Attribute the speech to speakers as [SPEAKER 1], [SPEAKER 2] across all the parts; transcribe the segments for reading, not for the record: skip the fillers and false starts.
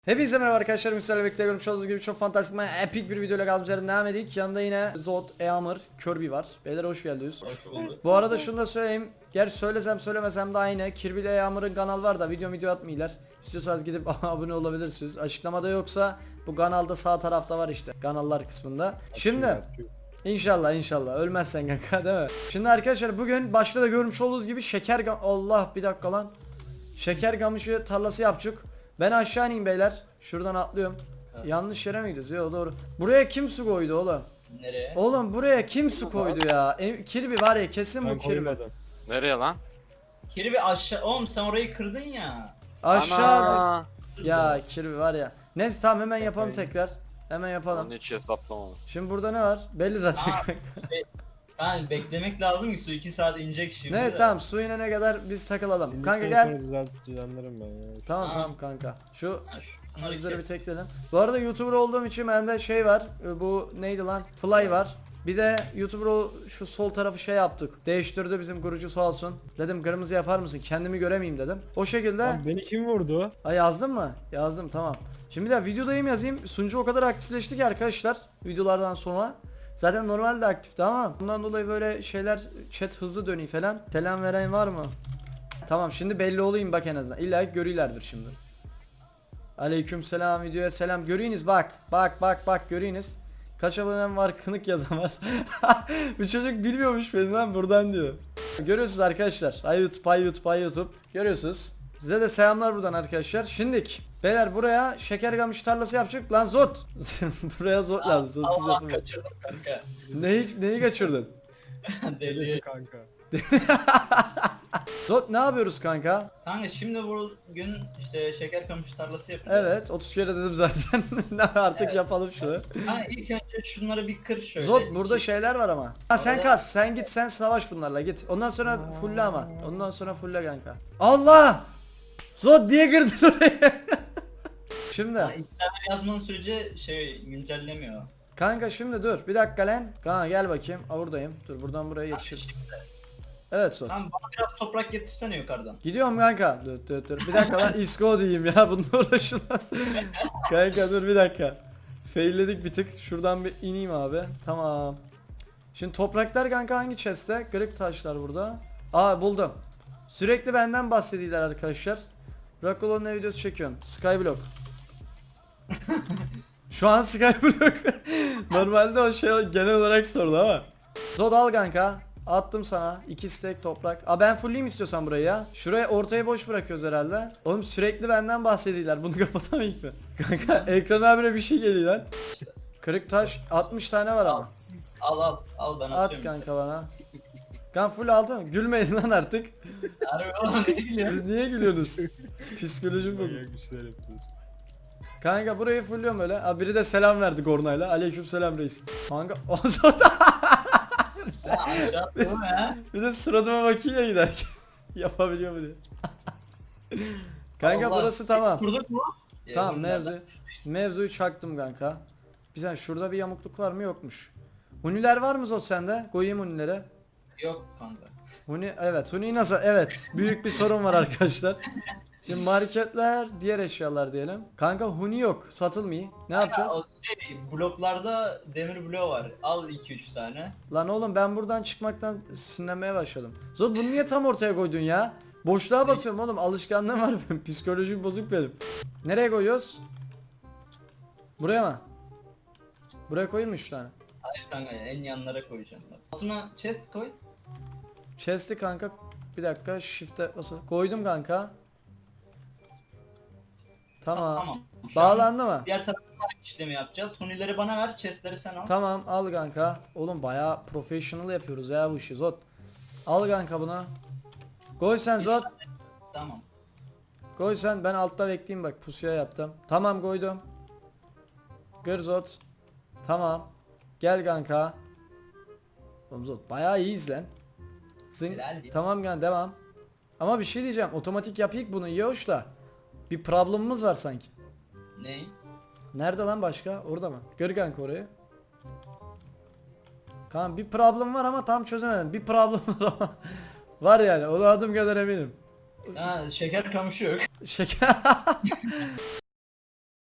[SPEAKER 1] Hepinize merhaba arkadaşlar, Müslüman'la birlikte görmüş olduğunuz gibi çok fantastik, epik bir videoyla kaldığımız yerden devam edik. Yanında yine Zod, Eamur, Kirby var. Beyler hoş geldiniz.
[SPEAKER 2] Hoş bulduk.
[SPEAKER 1] Bu arada şunu da söyleyeyim. Gerçi söylesem söylemesem de aynı. Kirby ile Eamur'un kanal var da video atmıyorlar. İstiyorsanız gidip abone olabilirsiniz. Açıklamada yoksa bu kanalda sağ tarafta var işte. Kanallar kısmında. Şimdi İnşallah ölmezsen kanka, değil mi? Şimdi arkadaşlar bugün başta da görmüş olduğunuz gibi Allah bir dakika lan. Şeker kamışı tarlası yapacak. Ben aşağı ineyim beyler. Şuradan atlıyorum.
[SPEAKER 2] Evet.
[SPEAKER 1] Yanlış yere mi gidiyoruz? Yok doğru. Buraya kim su koydu oğlum?
[SPEAKER 2] Nereye?
[SPEAKER 1] Oğlum buraya kim su koydu ya? Kirby var ya, kesin bu Kirby.
[SPEAKER 3] Nereye lan?
[SPEAKER 2] Kirby aşağı. Oğlum sen orayı kırdın ya.
[SPEAKER 1] Aşağı.
[SPEAKER 3] Ana!
[SPEAKER 1] Ya Kirby var ya. Neyse tamam, hemen yapalım tekrar. Hemen yapalım.
[SPEAKER 3] Onu hiç hesaplamadım.
[SPEAKER 1] Şimdi burada ne var? Belli zaten.
[SPEAKER 2] Aa, Yani beklemek lazım ki su 2 saat inecek şimdi.
[SPEAKER 1] Neyse
[SPEAKER 2] de.
[SPEAKER 1] tamam, su inene kadar biz takılalım.
[SPEAKER 4] Şimdi
[SPEAKER 1] Kanka
[SPEAKER 4] sonra
[SPEAKER 1] gel.
[SPEAKER 4] düzenlerim ben ya.
[SPEAKER 1] Tamam
[SPEAKER 2] Aa.
[SPEAKER 1] tamam kanka. Şu
[SPEAKER 2] Ha, şunları
[SPEAKER 1] bizleri bir
[SPEAKER 2] kes.
[SPEAKER 1] tekledim. Bu arada YouTuber olduğum için bende şey var. Bu neydi lan? Fly var. Bir de YouTuber şu sol tarafı şey yaptık. Değiştirdi bizim kurucu sağ olsun. Dedim kırmızı yapar mısın? Kendimi göremeyeyim dedim. O şekilde.
[SPEAKER 4] Lan beni kim vurdu?
[SPEAKER 1] Ha, yazdın mı? Yazdım, tamam. Şimdi bir de videodayım yazayım. Sunucu o kadar aktifleşti ki arkadaşlar videolardan sonra. Zaten normalde aktifti ama bundan dolayı böyle şeyler, chat hızlı dönüyor falan. Selam veren var mı? Tamam, şimdi belli olayım bak en azından. İlla ki görüyorlardır şimdi. Aleyküm selam, videoya selam. Görüyünüz bak. Bak görüyünüz. Kaç abonem var, kınık yazan var. Bu çocuk bilmiyormuş beni lan, buradan diyor. Görüyorsunuz arkadaşlar. Ay YouTube. Görüyorsunuz. Size de selamlar buradan arkadaşlar. Şimdik beyler buraya şeker kamışı tarlası yapacak lan Zot. Buraya Zot lazım. Zotsuz
[SPEAKER 2] Allah
[SPEAKER 1] yapamam.
[SPEAKER 2] kaçırdım kanka.
[SPEAKER 1] Neyi kaçırdın?
[SPEAKER 2] Deli.
[SPEAKER 4] Kanka.
[SPEAKER 1] Zot ne yapıyoruz kanka?
[SPEAKER 2] Kanka şimdi bugün işte şeker kamışı tarlası yapacağız.
[SPEAKER 1] Evet 30 kere dedim zaten. Artık
[SPEAKER 2] Evet.
[SPEAKER 1] yapalım şunu.
[SPEAKER 2] Kanka ilk önce şunları bir kır şöyle.
[SPEAKER 1] Zot burada şeyler var ama. Ha sen
[SPEAKER 2] Orada-
[SPEAKER 1] kas, sen git, sen savaş bunlarla git. Ondan sonra fulle ama. Ondan sonra fulle kanka. Allah! Zot diye girdin oraya. Şimdi
[SPEAKER 2] Ha, internet yazmanın sürece şey güncellemiyor.
[SPEAKER 1] kanka şimdi dur bir dakika lan. Kanka gel bakayım. Aa, buradayım. Dur buradan buraya yetişiriz. Evet Zot.
[SPEAKER 2] Tamam bana biraz toprak getirsene yukarıdan.
[SPEAKER 1] Gidiyorum kanka. Dur. Bir dakika lan, isko diyeyim ya, bununla uğraşılmaz. Kanka dur bir dakika. Failledik bir tık. Şuradan bir ineyim abi. Tamam. Şimdi topraklar kanka hangi chest'te? Kırık taşlar burada. Aa buldum. Sürekli benden bahsediyorlar arkadaşlar. Rakolo'nun ne videosu çekiyorum. Skyblock. Şu an Skyblock. Normalde o şey genel olarak sordu ama. Zod al kanka. Attım sana 2 stack toprak. Aa ben fullleyeyim istiyorsan burayı ya. Şuraya ortaya boş bırakıyoruz herhalde. Oğlum sürekli benden bahsediyorlar. Bunu kapatamayız mı? Kanka ekran abine bir şey geliyor lan. Kırık taş 60 tane var ama.
[SPEAKER 2] Al ben
[SPEAKER 1] At
[SPEAKER 2] atıyorum.
[SPEAKER 1] kanka bana. Kan full aldın. Gülmeyin lan artık.
[SPEAKER 2] Harbi oğlum ne gülüyorsun?
[SPEAKER 1] Siz niye gülüyorsunuz? Psikolojim bozuk.
[SPEAKER 4] Manyak işler yapıyoruz.
[SPEAKER 1] Kanka burayı fullüyorum öyle. Abi biri de selam verdi Gornayla. Aleyküm selam reis. Kanka o zaman
[SPEAKER 2] Ha, aşağı attım ya.
[SPEAKER 1] bir de suratıma bakıyor ya giderken. Yapabiliyor mu diye. Kanka
[SPEAKER 2] Allah.
[SPEAKER 1] burası tamam.
[SPEAKER 2] Kurduk mu?
[SPEAKER 1] Tamam
[SPEAKER 2] bunlardan.
[SPEAKER 1] mevzuyu çaktım kanka. Bir saniye, şurada bir yamukluk var mı? Yokmuş. Huniler var mı Zot sende? Koyayım hunilere.
[SPEAKER 2] Yok kanka.
[SPEAKER 1] Huni evet, Huni nasıl? Evet. Büyük bir sorun var arkadaşlar. Şimdi marketler, diğer eşyalar diyelim. Kanka Huni yok. Satılmıyor. Ne yapacağız?
[SPEAKER 2] O şey, bloklarda demir bloğu var. Al 2-3 tane.
[SPEAKER 1] Lan oğlum ben buradan çıkmaktan sinirlenmeye başladım. Zot bunu niye tam ortaya koydun ya? Boşluğa basıyorum oğlum. Alışkanlığım var benim. Psikolojim bozuk benim. Nereye koyuyoruz? Buraya mı? Buraya koyayım mı 3 tane?
[SPEAKER 2] Hayır kanka en yanlara koyacaksın. Altına chest koy.
[SPEAKER 1] Chest'i kanka bir dakika shift'e basılı. Koydum kanka. Tamam.
[SPEAKER 2] Tamam. Şu an
[SPEAKER 1] Bağlandı mı?
[SPEAKER 2] diğer tarafta işlemi yapacağız. Hunileri bana ver, chestleri sen al.
[SPEAKER 1] Tamam al kanka. Oğlum bayağı professional yapıyoruz ya bu işi Zot. Al kanka bunu. Koy sen Zot.
[SPEAKER 2] Tamam.
[SPEAKER 1] Koy sen, ben altta bekleyeyim bak, pusuya yaptım. Tamam koydum. Gır Zot. Tamam. Gel kanka. Oğlum Zot bayağı iyiyiz lan.
[SPEAKER 2] Helal ya.
[SPEAKER 1] Tamam yani devam. Ama bir şey diyeceğim, otomatik yapayım bunu iyi hoş da. Bir problemimiz var sanki.
[SPEAKER 2] Ne?
[SPEAKER 1] Nerede lan başka? Orada mı? Gır kanka orayı. Kanka bir problem var ama tam çözemedim. Bir problem var ama. Var yani, ona adım kadar eminim.
[SPEAKER 2] Ha, şeker kamışı yok.
[SPEAKER 1] Şeker.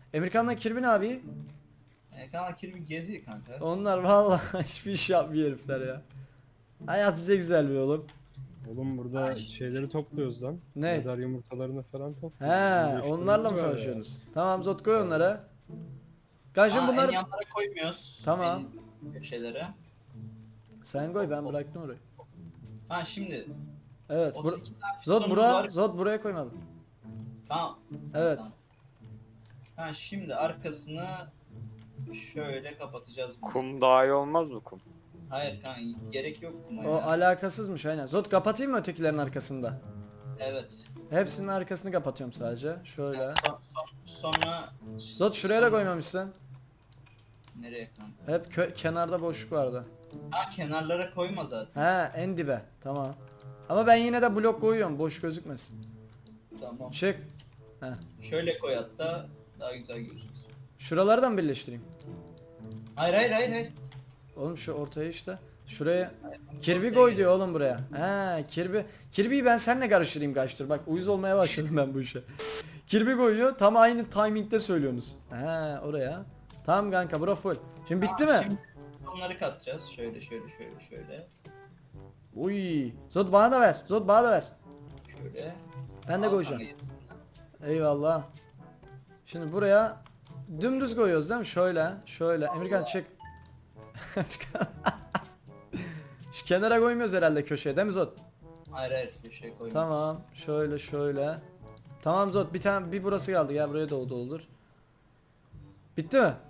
[SPEAKER 1] Emirkan'la Kirby ne abi?
[SPEAKER 2] Kanka Kirby geziyor kanka.
[SPEAKER 1] Onlar vallahi hiçbir iş yapmıyor herifler ya. Hayat size güzel bir oğlum.
[SPEAKER 4] Oğlum burada
[SPEAKER 2] Ay,
[SPEAKER 4] şeyleri topluyoruz lan.
[SPEAKER 1] Ne?
[SPEAKER 4] Medar yumurtalarını falan topluyoruz.
[SPEAKER 1] He,
[SPEAKER 4] Bizim de işlerimiz
[SPEAKER 1] onlarla mı
[SPEAKER 4] var ya.
[SPEAKER 1] savaşıyorsunuz? Tamam Zot koy onlara. Karşım
[SPEAKER 2] En
[SPEAKER 1] bunlar...
[SPEAKER 2] yanlara koymuyoruz.
[SPEAKER 1] Tamam.
[SPEAKER 2] En köşelere.
[SPEAKER 1] Sen koy, ben bıraktım orayı.
[SPEAKER 2] Ha şimdi.
[SPEAKER 1] Evet.
[SPEAKER 2] 32 tane
[SPEAKER 1] Zot
[SPEAKER 2] pistonumuz
[SPEAKER 1] bura,
[SPEAKER 2] var.
[SPEAKER 1] Zot buraya koymadın.
[SPEAKER 2] Tamam.
[SPEAKER 1] Evet.
[SPEAKER 2] Tamam. Ha şimdi arkasını şöyle kapatacağız.
[SPEAKER 3] Kum daha iyi olmaz mı kum?
[SPEAKER 2] Hayır kanka gerek yok buna
[SPEAKER 1] O
[SPEAKER 2] ya.
[SPEAKER 1] alakasızmış aynen. Zot kapatayım mı ötekilerin arkasında?
[SPEAKER 2] Evet.
[SPEAKER 1] Hepsinin arkasını kapatıyorum sadece. Şöyle.
[SPEAKER 2] Yani sonra
[SPEAKER 1] Zot şuraya da koymamışsın.
[SPEAKER 2] nereye kanka?
[SPEAKER 1] Hep kenarda boşluk vardı.
[SPEAKER 2] Ha kenarlara koyma zaten.
[SPEAKER 1] He, en dibe. Tamam. Ama ben yine de blok koyuyorum. Boş gözükmesin.
[SPEAKER 2] Tamam.
[SPEAKER 1] Çık. He.
[SPEAKER 2] Şöyle koy hatta daha güzel gözüksün.
[SPEAKER 1] Şuraları da mı birleştireyim?
[SPEAKER 2] Hayır.
[SPEAKER 1] Oğlum şu ortaya işte. Şuraya. Kirby koy diyor oğlum buraya. He, Kirby'yi ben seninle karıştırayım kaçtır. Bak uyuz olmaya başladım ben bu işe. Kirby koyuyor. Tam aynı timing'de söylüyorsunuz. He, oraya. Tamam kanka bura full. Şimdi bitti mi?
[SPEAKER 2] Şimdi onları katacağız. Şöyle.
[SPEAKER 1] Uy. Zot bana da ver. Zot bana da ver.
[SPEAKER 2] Şöyle.
[SPEAKER 1] Ben de
[SPEAKER 2] Al
[SPEAKER 1] koyacağım.
[SPEAKER 2] kanka.
[SPEAKER 1] Eyvallah. Şimdi buraya dümdüz koyuyoruz değil mi? Şöyle. Emirkan çık. Emirkan. Şu kenara koymuyoruz herhalde köşeye değil mi Zot?
[SPEAKER 2] Hayır köşeye koyma.
[SPEAKER 1] Tamam. Şöyle. Tamam Zot bir burası kaldı. Gel buraya da doldur. Bitti mi?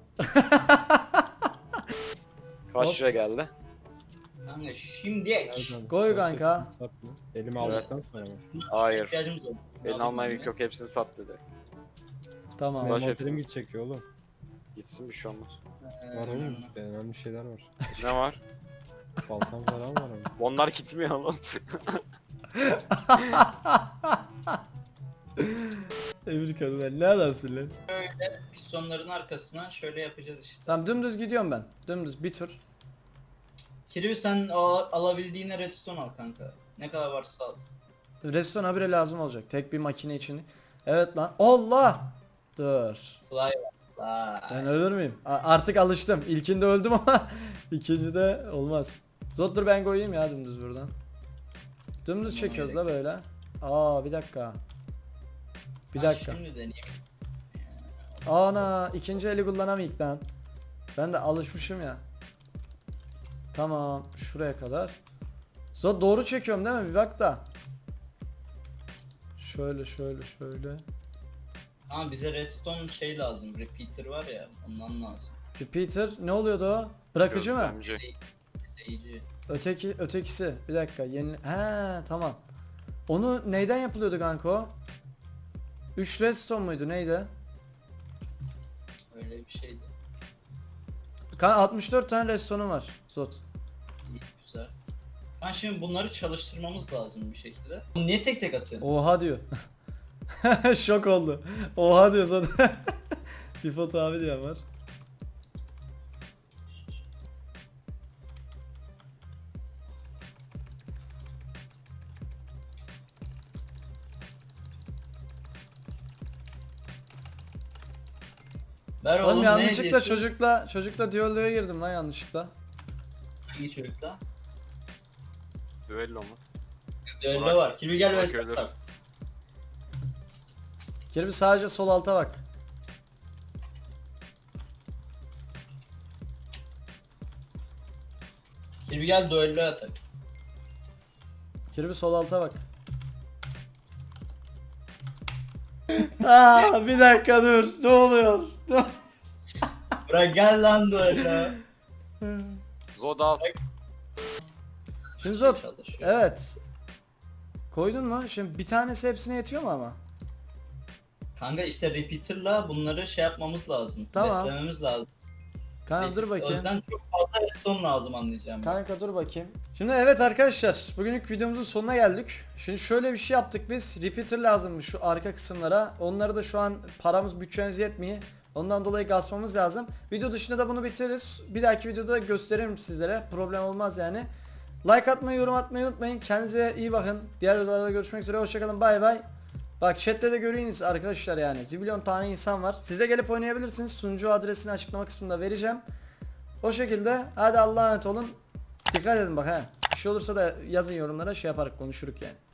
[SPEAKER 3] Kaç
[SPEAKER 1] Hop.
[SPEAKER 3] lira geldi?
[SPEAKER 2] Kanka şimdi
[SPEAKER 4] Nereden?
[SPEAKER 1] Koy
[SPEAKER 4] Sat
[SPEAKER 1] kanka.
[SPEAKER 4] hepsini, sat mı? Elime aldıktan sonra mı?
[SPEAKER 3] Hayır.
[SPEAKER 2] ihtiyacımız olur.
[SPEAKER 3] Elini almaya gerek yok, hepsini sat dedi.
[SPEAKER 1] Tamam.
[SPEAKER 3] Baş
[SPEAKER 4] Envanterim
[SPEAKER 3] hepsini.
[SPEAKER 4] gidecek ya oğlum.
[SPEAKER 3] Gitsin bir şey olmaz.
[SPEAKER 4] Var oğlum. Önemli şeyler var.
[SPEAKER 3] Ne var?
[SPEAKER 4] Baltam falan var ama.
[SPEAKER 3] Onlar gitmiyor oğlum.
[SPEAKER 1] Emirkan lan ne adamsın lan?
[SPEAKER 2] Şöyle pistonların arkasına şöyle yapacağız işte.
[SPEAKER 1] Tamam dümdüz gidiyorum ben. Dümdüz bir tur.
[SPEAKER 2] Kirby sen alabildiğine redstone al kanka. Ne kadar varsa al.
[SPEAKER 1] Redstone habire lazım olacak. Tek bir makine için. Evet lan. Allah! Dur.
[SPEAKER 2] Fly var.
[SPEAKER 1] Ben ölür müyüm? Artık alıştım. İlkinde öldüm ama ikincide olmaz. Zot dur ben koyayım ya dümdüz buradan. Dümdüz çekiyoruz da böyle. Aa bir dakika. Bir dakika.
[SPEAKER 2] Şimdi deneyeyim.
[SPEAKER 1] Ana ikinci eli kullanamayık lan. Ben de alışmışım ya. Tamam şuraya kadar. Zot doğru çekiyorum değil mi? Bir bak da. Şöyle.
[SPEAKER 2] Ama bize redstone şey lazım. Repeater var ya ondan lazım.
[SPEAKER 1] Repeater ne oluyordu o? Bırakıcı mı?
[SPEAKER 3] Gözlemci.
[SPEAKER 2] Deyici.
[SPEAKER 1] Ötekisi. Bir dakika. He tamam. Onu neyden yapılıyordu kanka o? 3 redstone muydu neydi?
[SPEAKER 2] Öyle bir şeydi.
[SPEAKER 1] 64 tane redstone'um var. Zot.
[SPEAKER 2] İyi, güzel. Ben şimdi bunları çalıştırmamız lazım bir şekilde. Niye tek tek atıyorsun?
[SPEAKER 1] Oha diyor. Şok oldu. Oha diyor zaten. Bir foto abi diyen var.
[SPEAKER 2] Ver
[SPEAKER 1] Oğlum
[SPEAKER 2] oğlum,
[SPEAKER 1] yanlışlıkla
[SPEAKER 2] ne diyorsun?
[SPEAKER 1] çocukla diyaloğa girdim lan yanlışlıkla.
[SPEAKER 2] Hangi çocukla?
[SPEAKER 3] Düello mu?
[SPEAKER 2] Öyle
[SPEAKER 3] Burak-
[SPEAKER 2] var. Kirby gel
[SPEAKER 3] Burak
[SPEAKER 2] ve
[SPEAKER 3] ölür.
[SPEAKER 2] start.
[SPEAKER 1] Kirby sadece sol alta bak.
[SPEAKER 2] Kirby gel duello atak.
[SPEAKER 1] Kirby sol alta bak. Aa bir dakika dur. Ne oluyor?
[SPEAKER 2] Bırak gel lan duello.
[SPEAKER 3] Zoda
[SPEAKER 1] Şimdi Zot.
[SPEAKER 2] Çalışıyor.
[SPEAKER 1] Evet. Koydun mu? Şimdi bir tanesi hepsine yetiyor mu ama?
[SPEAKER 2] Kanka işte repeater'la bunları şey yapmamız lazım.
[SPEAKER 1] Tamam.
[SPEAKER 2] Beslememiz lazım.
[SPEAKER 1] Kanka dur
[SPEAKER 2] O
[SPEAKER 1] bakayım.
[SPEAKER 2] yüzden çok fazla redstone lazım anlayacağım. ben.
[SPEAKER 1] Kanka dur bakayım. Şimdi evet arkadaşlar bugünlük videomuzun sonuna geldik. Şimdi şöyle bir şey yaptık biz. Repeater lazımmış şu arka kısımlara. Onları da şu an paramız bütçemiz yetmiyor. Ondan dolayı gasmamız lazım. Video dışında da bunu bitiririz. Bir dahaki videoda gösteririm sizlere. Problem olmaz yani. Like atmayı, yorum atmayı unutmayın. Kendinize iyi bakın. Diğer videolarda görüşmek üzere. Hoşçakalın. Bay bay. Bak chatte de göreyiniz arkadaşlar yani. Zibilyon tane insan var. Siz de gelip oynayabilirsiniz. Sunucu adresini açıklama kısmında vereceğim. O şekilde hadi Allah'a emanet olun. Dikkat edin bak he. Bir şey olursa da yazın yorumlara şey yaparak konuşuruk yani.